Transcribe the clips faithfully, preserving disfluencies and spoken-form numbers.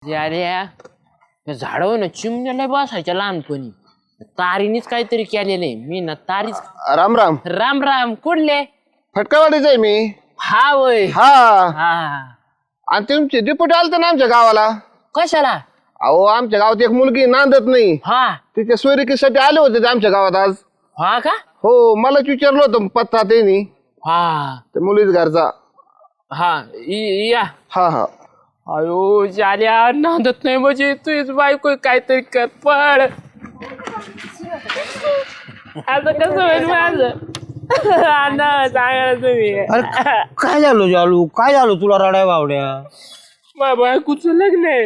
अरे झाडावर ना चिमण्याला बसायच्या लहानपणी तारीनीच काहीतरी केलेले मी ना तारीच. राम राम राम राम कुठले फटकावाडीच आहे मी. हा वय हा हा आणि तुमचे डिप्युटी आलते ना आमच्या गावाला. कशाला. अहो आमच्या गावात एक मुलगी नांदत नाही, हा तिच्या सोयरिकीसाठी आले होते ते आमच्या गावात आज. हा का. हो मलाच विचारलं होतं पत्ता त्यांनी, हा ते मुलीच घरचा. हा इ- या हा हा अयो जाल्या नांदत नाही म्हणजे तुझीच बायको काहीतरी कर पड. आता कसं होईल माझं अण्णा सांगा तुम्ही. अरे काय झालं जालू, काय झालं तुला रडाय बावड्या. माझ्या बायकोचं लग्न आहे.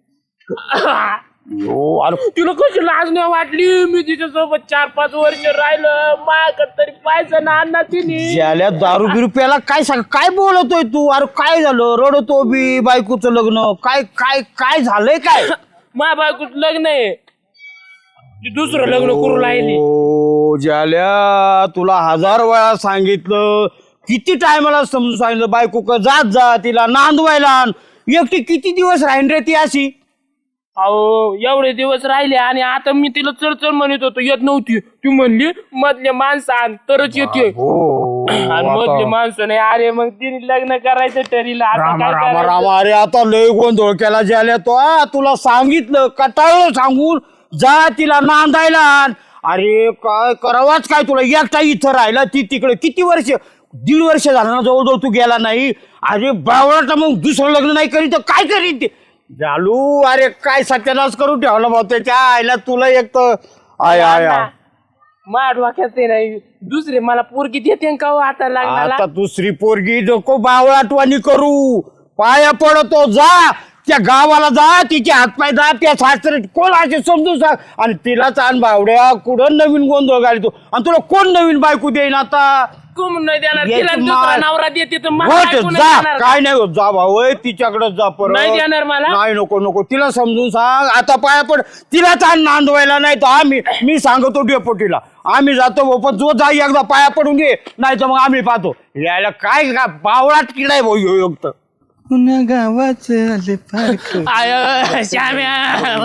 अरे तुला कशी लाज नाही वाटली. मी तिच्यासोबत चार पाच वर्ष राहिलं माझ्याकडे तरी पाहिजे ना अण्णा तिने. ज्याला दारू बिरू प्याला काय सांग, काय बोलतोय तू. अरे काय झालं रडतो बी, बायकोचं लग्न काय काय काय झालंय काय. माझ्या बायकोचं लग्न आहे, ती दुसरं लग्न करू लागली. ओ ज्याल्या तुला हजार वेळा सांगितलं, किती टायमाला समजून सांगितलं बायको का जात जा तिला नांदवायला. एकटी किती दिवस राहीन रे ती अशी. अहो एवढे दिवस राहिले आणि आता मी तिला चढचढ म्हणत होतो येत नव्हती. ती म्हणली मधले माणसं आण तरच येते. आणि मधले माणसं नाही. अरे मग तिने लग्न करायचं ठरलं. आता रामा काय रामा करायचं? रामा अरे आता लय गोंधळ केला ज्याला तो. आ, तुला सांगितलं कटाळलं सांगून जा तिला नांदायला आण. अरे काय करावाच काय तुला. एकटा इथं राहिला, ती तिकडे किती वर्ष, दीड वर्ष झालं ना जवळजवळ तू गेला नाही. अरे बावळाटा मग दुसरं लग्न नाही करीत तर काय करीत ते जालू. अरे काय सत्यानाश करून ठेवला भाऊ त्याच्या आईला. तुला एक तर आय आय आय. माठ वाक्यात ते नाही दुसरे मला पोरगी देते का हो आता लग्नाला. आता दुसरी पोरगी नको बावळाटवाणी करू. पाया पडतो जा त्या गावाला जा, तिचे हातपाय जा, त्या सासरे कोण असे समजून सांग. आणि तिलाच आण बावड्या. कुठं नवीन गोंधळ घालतो. आणि तुला कोण नवीन बायको देईन आता. कुम नाही देणार याची तिला दुसरा मार. नवरा देते तर मला होत बायको नाही जा, देणार. काय नाही होत जा भाऊ तिच्याकडे जा परत. नाही देणार मला. नाही नको नको तिला समजून सांग. आता पाया पड तिला ताण नांदवायला. नाही तर आम्ही मी सांगतो डेपोटीला आम्ही जातो भाऊ, पण जो जा एकदा पाया पडून घे, नाही तर मग आम्ही पाहतो. यायला काय का बावळाट किडाय भाऊ ह्यो युक्त. पुन्हा गावाच आले पार्क. आय श्याम्या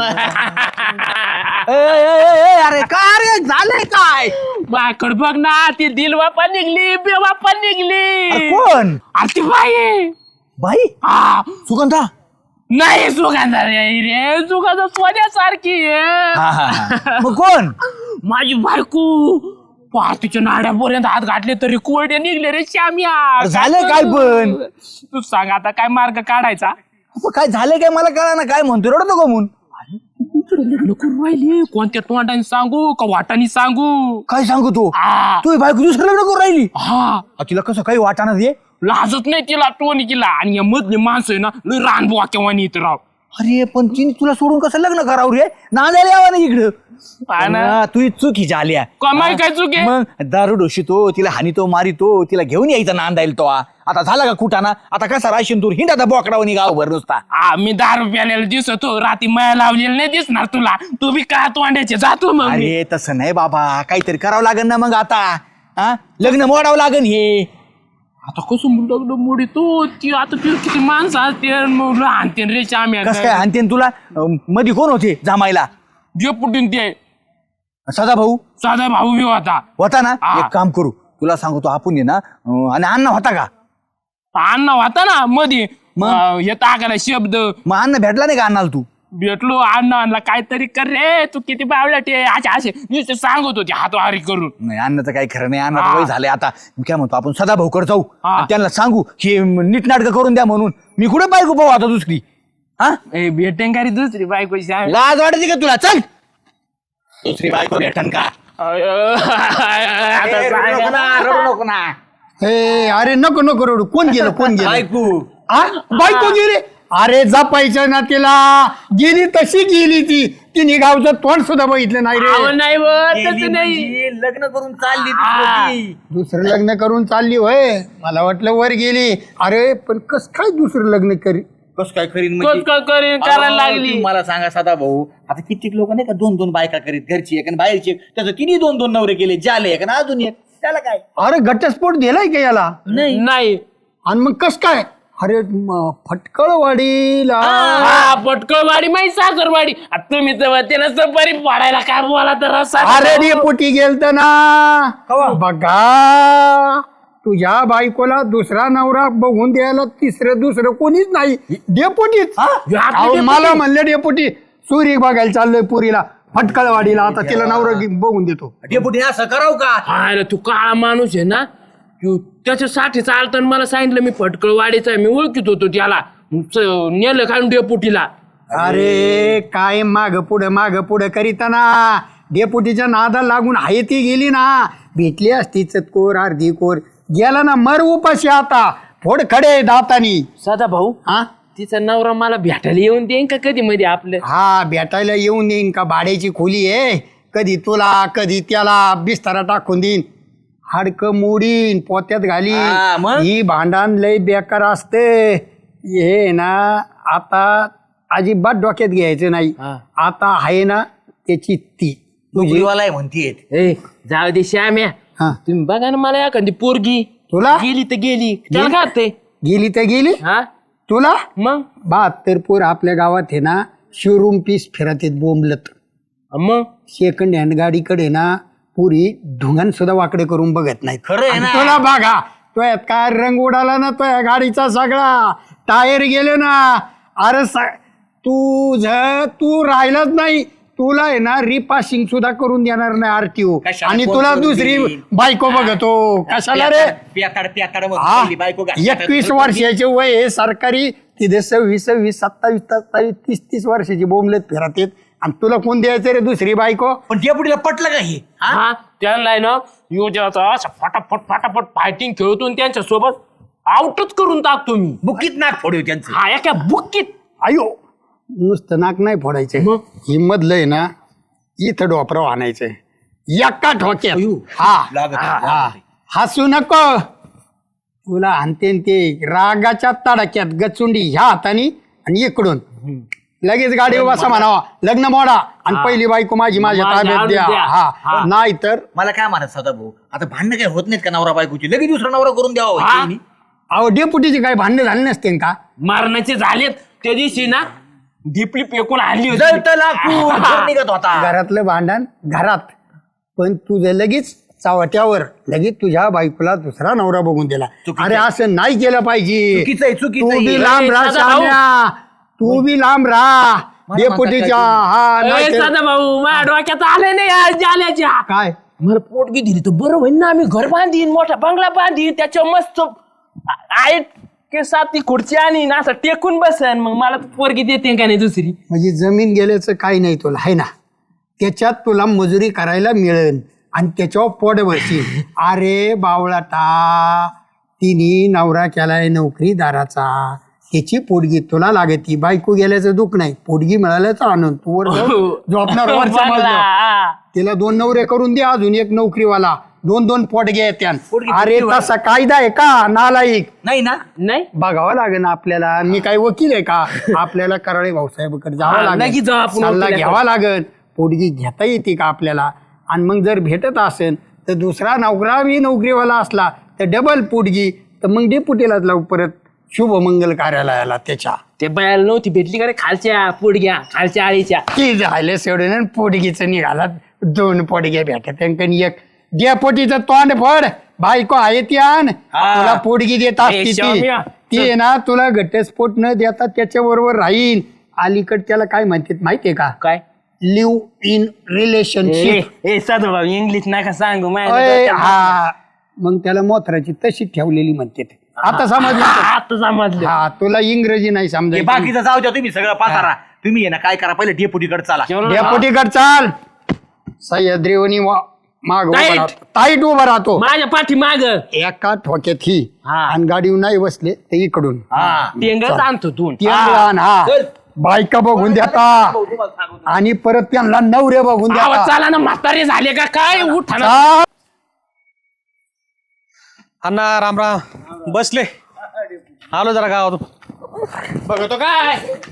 अरे काय रे झालंय काय. माझ्याकडे बघ ना ती दिल बापा निघली बेबापा निघली. अरे कोण. अरे ती बाई आहे. बाई हा सुगंधा. नाही सुगंधा रे रे सुगंधा सोन्यासारखी आहे. मग कोण. माझी बायको पार्टीच्या नाड्यापर्यंत हात घातले तरी कोरडे निघले रे श्याम्या. झालं काय पण. तू सांग आता काय मार्ग काढायचा. मग काय झालं काय मला कळा ना. काय म्हणतो रडतो का म्हणून. लग्न करून राहिली कोणत्या तोंडाने सांगू का वाटाने सांगू. काय सांगू तू. हा तू बायको दुसरं लग्न करून राहिली. हा अ, तिला कसं काही वाटाणा दे. लाजत नाही तिला टोनी केला. आणि या मधली माणसं आहे ना लय रानबुवा केव्हा येत राव. अरे पण तिने तुला सोडून कसं लग्न करावं रे. नांदायला यावं ना इकडं. हा ना. हा, तू चुकी झाल्या. कमाई काय चूक आहे? मग दारू डोशीतो तिला हानीतो मारितो तिला घेऊन यायचा नांदायला तो. आता झाला का कुठाना. आता कसा राशीन दूर हिंडा बोकडावनी गावभर नुसता. हा मी दारू प्यालेला दिसतो राती माया लावलेला नाही दिसणार तुला. तू बी का तोंड्याचे जातो मग मी. अरे तसं नाही बाबा. काहीतरी करावं लागेल ना मग आता. हा लग्न मोडावं लागेल हे. आता कसं लग्न मोडी तो ती आता ती किती माणसं असते आणते रे श्याम्या. कसं काय आणते तुला. अं, मध्ये कोण होते जमायला. पुटून ते सदा भाऊ साधा भाऊ बी होता. होता ना. हा. एक काम करू तुला सांगतो आपण ये ना. अं, आणि अण्णा होता का. अण्णा होता ना मध्ये. मग? अं, हे टाकायला शब्द मग अण्णा भेटला नाही का अण्णाला तू. भेटलो अण्णा आणला काहीतरी कर रे तू किती बावळट आहे असे असे नुसते सांगत होते हातवारी करून. नाही अण्णाचं काही खरं नाही. अण्णा हा. वय झालंय आता. मी काय म्हणतो आपण सदा भाऊकडे जाऊ. हा. आणि त्यांना सांगू की नीटनाटकं करून द्या म्हणून. मी कुठे बायको पाहू आता दुसरी. हा ए भेटेन का रे दुसरी बायको श्याम. लाज वाटते का तुला. चल दुसरी बायको भेटन का. आता सांगा. रडू नको ना. हे अरे नको नको रडू. कोण गेलं कोण गेलं. बायको. आ? बायको गेली. अरे जपायचं ना तिला. गेली तशी गेली ती. तिने गावचं तोंड सुद्धा बघितलं नाही अहो, रे. नाही व, तसं नाही. म्हणजे लग्न करून चालली हा. ती. दुसरं लग्न करून चालली होय. मला वाटलं वर गेली. अरे पण कस काय दुसरं लग्न करी. कस काय करीन कस काय करीन करायला अहो, लागली. तुम्ही मला सांगा सदा भाऊ. आता कित्येक लोक नाही का दोन दोन बायका करीत. घरची एक आणि बाहेरची एक. त्याचं तिने दोन दोन नवरे केले. जाले एक आणि अजून एक. त्याला काय. अरे घटस्फोट दिलाय का याला. नाही आणि मग कस काय अरे म- फटकळवाडीला हा पटकळवाडी माहिती सासरवाडी आता तुम्ही तर ते ना सफारी पाडायला काय बोला तर रस्सा अरे डेपुटी गेलत ना बघा तुझ्या बायकोला दुसरा नवरा बघून द्यायला तिसरं दुसरं कोणीच नाही डेपुटीच अहो, मला म्हणलं डेपुटी सुरी बघायला चाललोय पुरीला फटकळवाडीला आता तिला नवरा घे- बघून देतो डेपुटी असं कराव का हा रे, तू काळा माणूस आहे ना तू त्याच्यासाठी चालताना मला सांगितलं मी फटकळवाडीचा आहे मी ओळखीत होतो त्याला मग च- नेलं काढून डेपुटीला अरे काय माग पुढं माग पुढं करीताना डेपुटीच्या नादा लागून आहे ती गेली ना भेटली असती चतकोर अर्धी कोर गेला ना मर उपाशी आता फोड खडे दातानी सदा भाऊ हा तिचा नवरा मला भेटायला येऊन देईन का कधी मध्ये आपलं हा भेटायला येऊन देईन का भाड्याची खोली आहे कधी तुला कधी त्याला बिस्तारा टाकून देईन हाडक मोडीन पोत्यात घाली हा, मग? ही भांडण लय बेकार असते हे ना आता अजिबात डोक्यात घ्यायचं नाही हा. आता आहे ना त्याची ती तुझी नोकरीवाला आहे म्हणतीये ए जाऊ दे श्याम्या हा तुम्ही बघा ना मला एखादी पोरगी तुला गेली तर गेली त्याला काय होतंय? गेली तर गेली हा तुला मग बहात्तर पोर आपल्या गावात आहे ना शोरूम पीस फिरत आहेत बोंबलत मग सेकंड हँड गाडीकडे ना पुरी ढुंगण सुद्धा वाकडे करून बघत नाहीत खरं आहे आणि ना. तुला बघा तो यात काय रंग उडाला ना तो या गाडीचा सगळा टायर गेले ना अरे सा- तू ज तू राहिलाच नाही तुला आहे ना रिपासिंग सुद्धा करून देणार नाही आरटीओ कशाला आणि कोण तुला करून दुसरी देईल? बायको बघतो कशाला रे प्याताड प्याताड हा एकवीस वर्षाचे वय आहे सरकारी तिथे सव्वीस सव्वीस सत्तावीस सत्तावीस तीस तीस वर्षाची बोंबलेत फिरत येत आणि तुला कोण द्यायचं रे दुसरी बायको पण डेपुटीला पटलं का हे हा? हा त्यांना आहे ना योजनाचा असं फटाफट फटाफट फायटिंग खेळतो आणि त्यांच्या सोबत आउटच करून टाकतो मी बुकीत नाक फोडू त्यांचं हा एका बुक्कीत अयो नुसतं नाक नाही फोडायचं मग? ही मधलं आहे ना इथं डोपराव आणायचंय एका ठोक्यात हा लागत हा, हा. हसू नको तुला आणते न ते रागाच्या तडाक्यात गचुंडी ह्या हाताने आणि इकडून लगेच गाडी बसा म्हणावा लग्न मोडा आणि पहिली बायको माझी माझ्या माझ्या ताब्यात आणून द्या द्या. हा हा. नाही तर मला काय म्हणत सदा भाऊ आता भांडणं काय होत नाहीत का नवरा बायकोची लगेच दुसरा नवरा करून द्यावा हा. वहिनी. अहो डेपुटीची काही भांडण झाली नसते का मारण्याचे झालेत त्या दिवशी ना ढिपली पेकून आणली होती जळतं लाकूड, घर निघत होता घरातलं भांडण घरात पण तुझं लगेच चावट्यावर लगेच तुझ्या बायकोला दुसरा नवरा बघून दिला चुकीचं अरे असं नाही केलं पाहिजे चुकीचं आहे, चुकीचं तू आहे. बी लांब ए, राहा साधा भाऊ. शाम्या. तू बी लांब राहा मला डेपुटीच्या म्हणतात हा ए, नाही तर- साधा भाऊ माझ्या डोक्यात आले नाही आज जाल्याच्या काय मला पोटगी दिली तर बरं होईल ना आम्ही घर बांधीन मोठा बंगला बांधीन त्याच्या मस्त आहे के साती खुर्ची आणि ना असं टेकून बसन मग मला पोरगी देते का नाही दुसरी म्हणजे जमीन गेल्याचं काही नाही तुला आहे ना त्याच्यात तुला मजुरी करायला मिळेल आणि त्याच्यावर पोट बसशील अरे बावळाटा तिने नवरा केलाय नोकरीदाराचा त्याची पोटगी तुला लागती बायको गेल्याचं दुःख नाही पोटगी मिळाल्याचा आनंद तू वर जाऊन झोपणार वरच्या बंगला, मजल्यावर. हा. तिला दोन नवरे करून दे अजून एक नोकरीवाला दोन दोन पोटगे येत्यान पोटगी अरे किती तसा कायदा आहे का नालायक नाही ना नाही बघावं लागेल आपल्याला मी काही वकील आहे का आपल्याला कराळे भाऊसाहेबकडे जावं हा, लागेल लगेच जाऊ आपण सल्ला वकिलाकडे. घ्यावा लागेल पोटगी घेता येते का आपल्याला आणि मग जर भेटत असेल तर दुसरा नोकरा बी नोकरीवाला असला तर डबल पोटगी तर मग डेपुटीलाच लावू परत शुभमंगल कार्यालयाला त्याच्या ते बायाला नव्हती भेटली का रे खालच्या पोडग्या खालच्या आळीच्या की झाले सोडून पोटगीचं निघाला दोन पोटगे भेटत एक डेपुटीचं तोंड फड बायको आहे ती आण तुला पोटगी देत असते ए, ती शाम्या. ती आहे ना तुला घटस्फोट न देता त्याच्या बरोबर राहील अलीकड त्याला काय म्हणतात माहितीये का काय लिव्ह इन रिलेशनशिप ए साधू भाऊ इंग्लिश नका सांगू माझ्या अय, डोक्यात- हा मग त्याला मोथराची तशी ठेवलेली म्हणते ते. आता समजलं का? आता समजलं हा तुला इंग्रजी नाही हे समजायचं बाकीचं जाऊ द्या तुम्ही सगळं पातारा तुम्ही आहे ना काय करा पहिले डेपुटीकडे चला डेपुटीकड चाल सह्याद्रीवनी माग उभा Tight. राहतो टाईट उभा राहतो माझ्या पाठी माग एका ठोक्यात ही हा. आणि गाडीवर नाही बसले तर इकडून हा टेंगच आणतो तू ती लहान, हा चल. बायका बघून देता आणि परत त्यांना नवरे बघून आवाज देता चाला ना म्हातारे झाले का काय उठा ना चाल. अण्णा राम राम बसले आलो जरा गावात बघतो काय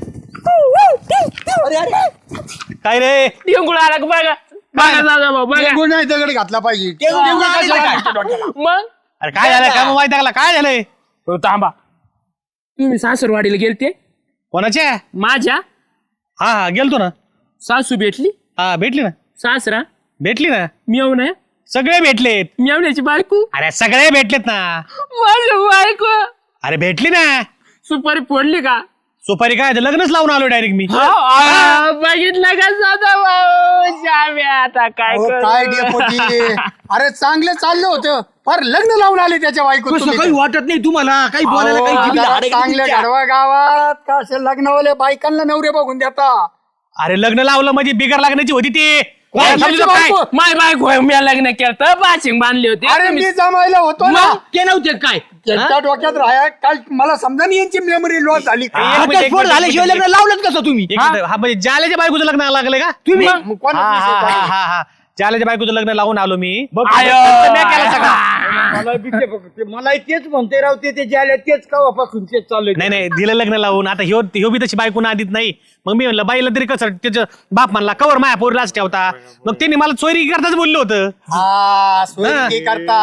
काय रे टेंगुळ आला का बघा बघा दादा भाऊ बघा गुण नाही दगड घातला पाहिजे टेंगू- टेंगू कशाला काय? मग अरे काय झालं काय माहिती लागला काय झालंय हो, थांबा तुम्ही सासरवाडीला गेलते कोणाच्या माझ्या हा हा गेलतो ना. सासू भेटली हा भेटली ना. सासरा भेटली ना. मेवना सगळे भेटलेत. मेवण्याची बायको अरे सगळे भेटलेत ना. माझी बायको अरे भेटली ना. सुपारी फोडली का सुपारी काय ते लग्नच लावून आलो डायरेक्ट मी. आ, बघितलं का साधा भाऊ श्याम्या आता काय अहो, करू? काय डेपुटी अरे चांगलं चाललं होतं फार लग्न लावून आले त्याच्या बायको कसं तुम्ही काही तर. वाटत नाही तुम्हाला काही बोलायला काही अहो, जिभेला जरा हाडं चांगले तुमच्या. गाढवा गावात का असे लग्नवाले बायकांना नवरे बघून देता अरे लग्न लावलं म्हणजे बिगर लागण्याची होती ती. काय समजलं त्याची काय? बायको? माय बायको मी लग्न केलं बाशिंग बांधले होते अरे मी जमायला होतो ना मग ते नव्हते काय त्यांच्या डोक्यात राहा काल मला समजा नाही यांची मेमरी लॉस झाली एक मिनिट, एक घटस्फोट मिनिट, झाल्याशिवाय एक लग्न लावलंच कसं तुम्ही एक मिनिट. हा म्हणजे जाल्याच्या बायकोचं लग्न लागले का तुम्ही मग- मग कोणाचा हा विषय हा चालू? हा हा जाल्याच्या बायकोचं लग्न लावून आलो मी. आयो. मी केलं सगळं. मला बी ते बघ, ते मला तेच म्हणते राव ते ते जे आले तेच कवापासून तेच चालू नाही नाही दिलं लग्न लावून. आता ह्यो ह्यो बी तशी बायको आधीत नाही. मग मी म्हणलं बाईला तरी कसं त्याचं बाप म्हणला कवर माया पोरीलाच ठेवता. मग त्यांनी मला चोरी करताच बोललं होतं. हा सोयी करता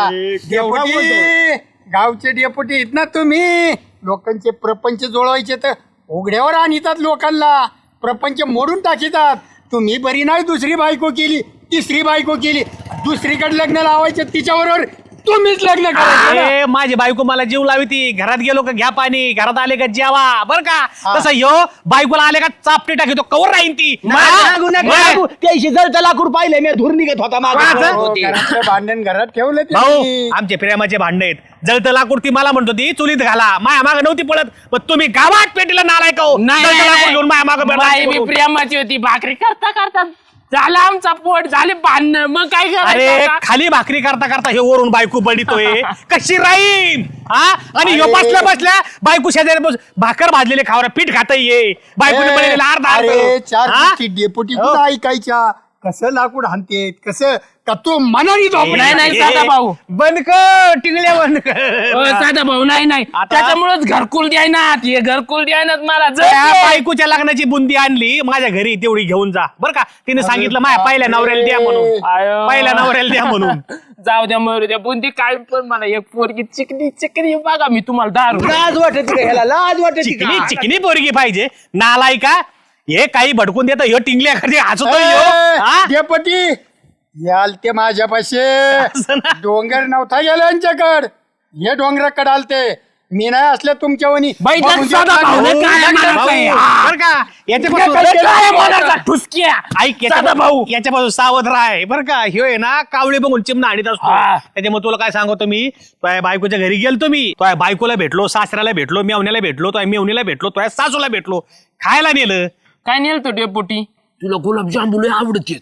डेपुटी गावचे डेपुटी आहेत ना तुम्ही लोकांचे प्रपंच जोडवायचे तर उघड्यावर आणतात लोकांना प्रपंच मोडून टाकीतात तुम्ही बरी नाही दुसरी बायको केली तिसरी बायको केली दुसरीकडे लग्न लावायचं तिच्याबरोबर तुम्हीच लग्न करायचं ना. ए, माझी बायको मला जीव लावी ती. घरात गेलो का घ्या पाणी घरात आले का जेवा बर का. तसं ह्यो बायकोला आले का चापटी टाकी तो कवर राहीन ती. लागू नका लागू. त्याशी जळतं लाकूड पाहिले मी धूर निघत होता मागं. कोणाचं? हो, घरातलं भांडण घरात ठेवलं भाऊ तुम्ही. आमचे प्रेमाचे भांडे आहेत. जळतं लाकूड ती मला म्हणतो ती चुलीत घाला माया माग नव्हती पडत. पण तुम्ही गावात पेटीला नालाय का हो? नाही, जळतं नाही, लाकूड नाही. घेऊन माया माग बाई बी प्रेमाची होती भाकरी करता करता झाला आमचा पोट झाले भांडणं मग काय अरे करायचं आता? खाली भाकरी करता करता हे वरून बायको बडितोय कशी राहीन हा. आणि ह्यो अरे. बसल्या बसल्या बायको शेजारी बस भाकर भाजलेले खावर पीठ खाता ये बायकोने बनलेला अर्धा अरे अर्ध. चार हा? गोष्टी डेपुटी कुठं ऐकायच्या कसं लाकूड हाणते कसं का तो मनाने झोपला नाही, नाही, साधा भाऊ. बंद कर टिंगल्या बंद अ, कर. साधा भाऊ नाही नाही आता- त्याच्यामुळेच घरकुल द्यायनात हे घरकुल द्यायनात मला त्या जर बायकोच्या लग्नाची बुंदी आणली माझ्या घरी तेवढी घेऊन जा बर का. तिने सांगितलं माझ्या पहिल्या नवऱ्याला द्या म्हणून आयो. पहिल्या नवऱ्याला द्या म्हणून. जाऊ द्या मरू द्या बुंदी काय पण मला एक पोरगी चिकनी चिकनी बघा मी तुम्हाला दारू लाज वाटत का ह्याला लाज वाटत चिकनी चिकनी पोरगी पाहिजे नालाय का. हे काही भडकून देत ह्यो टिंगल्या खाली हसतोय ह्यो. हा? डेपुटी याल ते माझ्यापाशी असं ना. डोंगर नव्हता गेला यांच्याकड हे डोंगराकडे आलते मी नाही असल्या तुमच्या वनी बाई, बघून साधा घेतला भाऊ, नाही. काय लग्न- म्हणायचं आहे? भाऊ, बरं का याच्यापासून काय केलं? काय मनाचा ठुसक्या ऐक साधा याच्या भाऊ याच्यापासून सावध राह बर का. ह्यो आहे ना कावळे बघून चिमणा आणीत असतो. हा. त्याच्यामुळे तुला काय सांगतो मी तुझ्या बायकोच्या घरी गेलतो मी तुझ्या बायकोला भेटलो सासऱ्याला भेटलो मेवण्याला भेटलो तुझ्या मेवणीला भेटलो तुझ्या सासूला भेटलो खायला नेलं. काय नेल तो डेपुटी तुला गुलाबजाम लय आवडते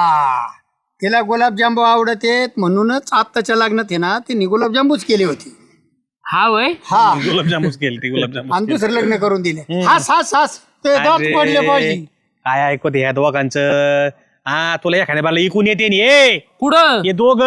हा तिला गुलाबजांबू आवडतेत म्हणूनच आत्ताच्या लग्नात आहे ना तिने गुलाबजांबूच केली होती हा वय हा गुलाबजामुस केली ती गुलाबजामुन आणि दुसरं लग्न करून दिले हास हास हास ते दात अरे. पडले पाहिजे काय ऐकत ह्या दोघांचं. हा तुला एखाद्या बाला इकून येते नि ये पुढं हे दोघ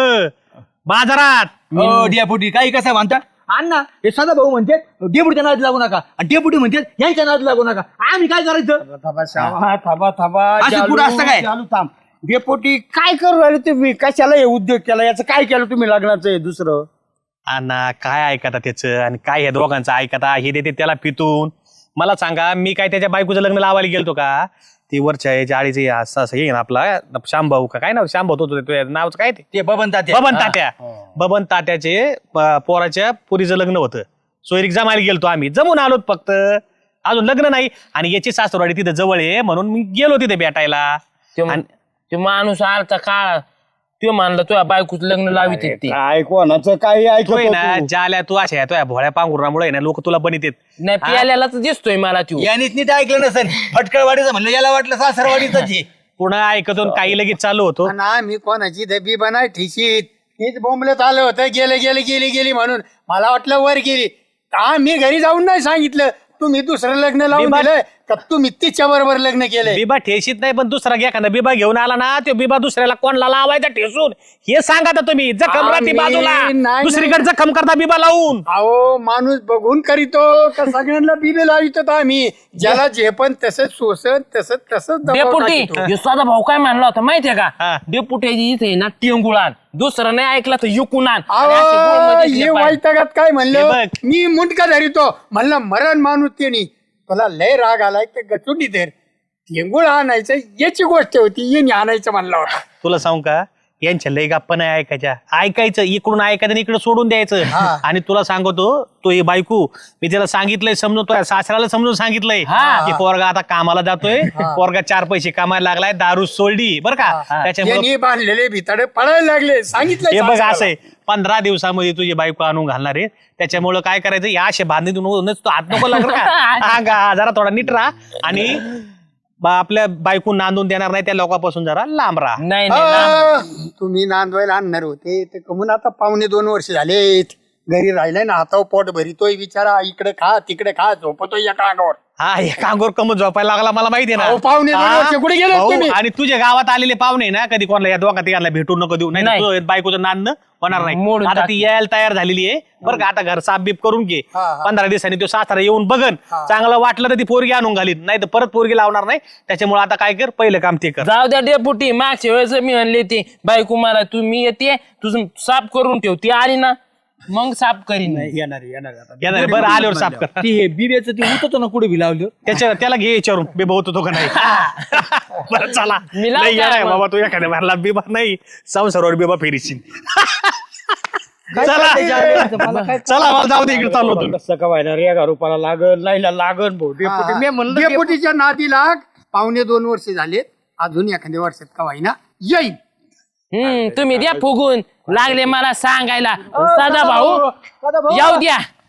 बाजारात. हो डेपुटी काही कसं म्हणता अण्णा हे सदा भाऊ म्हणते डेपुटीच्या नाद लागू नका आणि डेपुटी म्हणते यांच्या नाद लागू नका आम्ही काय करायचं. थांबा शावा, थांबा थांबा असं चालू, पुढं असतं काय? चालू थांब डेपोटी काय करू राहिले तुम्ही कशाला हे उद्योग केला याचं काय केलं तुम्ही लग्नाचं हे दुसरं अण्णा काय ऐकता त्याचं आणि काय ह्या दोघांचं ऐकता हे देते त्याला पितून. मला सांगा मी काय त्याच्या बायकोचं लग्न लावायला गेलतो का. ती वरच्या याच्या आळीचे असं असं येईन आपला शांभाऊ का काय नाव शांभाऊ होतो ते नावचं काय ते ते बबन तात्या बबन तात्या बबन तात्याचे प- पोराच्या पुरीचं लग्न होतं. सोयरीक जमायला गेलतो आम्ही जमून आलोत फक्त अजून लग्न नाही. आणि याची सासरवाडी तिथे जवळ आहे म्हणून मी गेलो तिथे भेटायला. ते आणि- ते माणूस आलता काळ तो मानला तुझ्या बायकोच लग्न लावित ते काय कोणाचं काही तोय ना ऐकतो ज्याला तू अशा तुझ्या भोळ्या पांघुरामुळे ना लोक तुला बनित नाही प्याल्यालाच दिसतोय मला तू यानेच नीट ऐकलं नसेल फटकळवाडीचं म्हणलं याला वाटलं सासरवाडीच आहे. पुन्हा ऐकतो आणि काही लगेच चालू होतो. ना मी कोणाची दबी बनाय ठिशीत हेच बोंबलत आलं होतं गेले गेले गेली गेली म्हणून मला वाटलं वर गेली का मी घरी जाऊन नाही सांगितलं तुम्ही दुसरं लग्न लावून मी दिलं का तुम्ही तिच्या बरोबर लग्न केलंय? बिबा ठेशीत नाही, पण दुसरा घ्या एखादा बिबा घेऊन आला ना, तो बिबा दुसऱ्याला कोणला लावायचा ठेसून हे सांगा आता तुम्ही. जखम राहते आम्ही- बाजूला, नाही- दुसरीकडे जखम करता बिबा लावून. अहो माणूस बघून करीतो का सगळ्यांना बिबे लावितो तर आम्ही ज्याला जे पण तसंच सोसन तसंच तसंच दबाव डेपुटी टाकीतो. ह्यो साधा भाऊ काय म्हणला होता माहितीये का? हा. डेपुटीची इथे ना टिंगुळान, दुसरं नाही ऐकला तर युकुन आण. अहो, आणि असे गोळमध्ये हे घेतले पाहिजे. वैतागात काय हे म्हणलं बघ. मी मुंडका धरितो म्हणलं मरण माणूस त्यांनी तुला लय राग आलाय तर गचुंडी धर टेंगुळ आणायचं याची गोष्ट होती येणे आणायचं म्हणला होता. तुला सांगू का, यांच्या लय गप्पा नाही ऐकायच्या. ऐकायचं इकडून ऐकायचं आणि इकडे सोडून द्यायचं. आणि तुला सांगतो, तो ही बायको मी त्याला सांगितलंय, समजून तो सासऱ्याला समजून सांगितलंय की पोरगा आता कामाला जातोय, पोरगा चार पैसे कामायला लागलाय, दारू सोडली बरं का, त्याच्यामुळे यांनी बांधलेले भिताडे पळायला लागले सांगितलं हे बघ असं आहे, पंधरा दिवसामध्ये तुझी बायको आणून घालणार आहे. त्याच्यामुळं काय करायचं, या असे बांधणीतून तो हात नको लागला का हा गा, जरा थोडा नीट राहा आणि बा- आपल्या बायको नांदून देणार नाही त्या लोकांपासून जरा लांब राहा. नाही नाही ना. आ, तुम्ही नांदवायला आणणार होते तर कमून आता पावणे दोन वर्ष झालेत घरी राहिलाय ना हातावर पोट भरितोय बिचारा इकडे खा तिकडे खा झोपतोय एका अंगावर. हा एका अंगावर कमत झोपायला लागला मला माहिती आहे अहो, पाहुणे दोन हा? वर्ष कुठे गेले भाऊ, तुम्ही? आणि तुझ्या गावात आलेले पाहुणे ना कधी कोणाला या दोघा तिघांना भेटून नको देऊ, नाही नाही. तर तुझं बायकोचं नांदणं होणार नाही. मोडून आता टाक. ती यायला तयार झालेली आहे बरं का. आता घर साफ बीप करून घे, हा, हा. पंधरा दिवसांनी तो सासरा येऊन बघन, चांगलं वाटलं तर ती पोरगी आणून घालीन, नाही तर परत पोरगी लावणार नाही. त्याच्यामुळे आता काय कर, पहिलं काम ते कर. जाऊ द्या डेपुटी, मागच्या वेळेस मी म्हणले ते बायको मला तुम्ही येते तुझं साफ करून ठेव, ती आली ना मग साफ करीन. येणार येणार आता. येणार बरं, आल्यावर साफ कर. ती हे बिब्याचं ते होतं ना कुठे बी लावलं त्याच्या त्याला घे विचारून बिबा होतो तो का नाही. बरं चला, मी लावतो लय येडा आहे मग. बाबा तू, एखाद्या मारला बिबा नाही, संसारावर बिबा फेरीशील. चला मला काय चला, मला जाऊ दे, इकडे चाललो होतो. कसं का व्हायला रे रुपयाला लागल लाईला लागल भाऊ डेपुटी. मी म्हणलं डेपुटी- डेपुटीच्या नादी लाग पावणे दोन वर्ष झालेत अजून एखाद्या वर्षात का होईना येईल. हम्म तुम्ही द्या फुगून लागले मला सांगायला. साधा भाऊ येऊ द्या.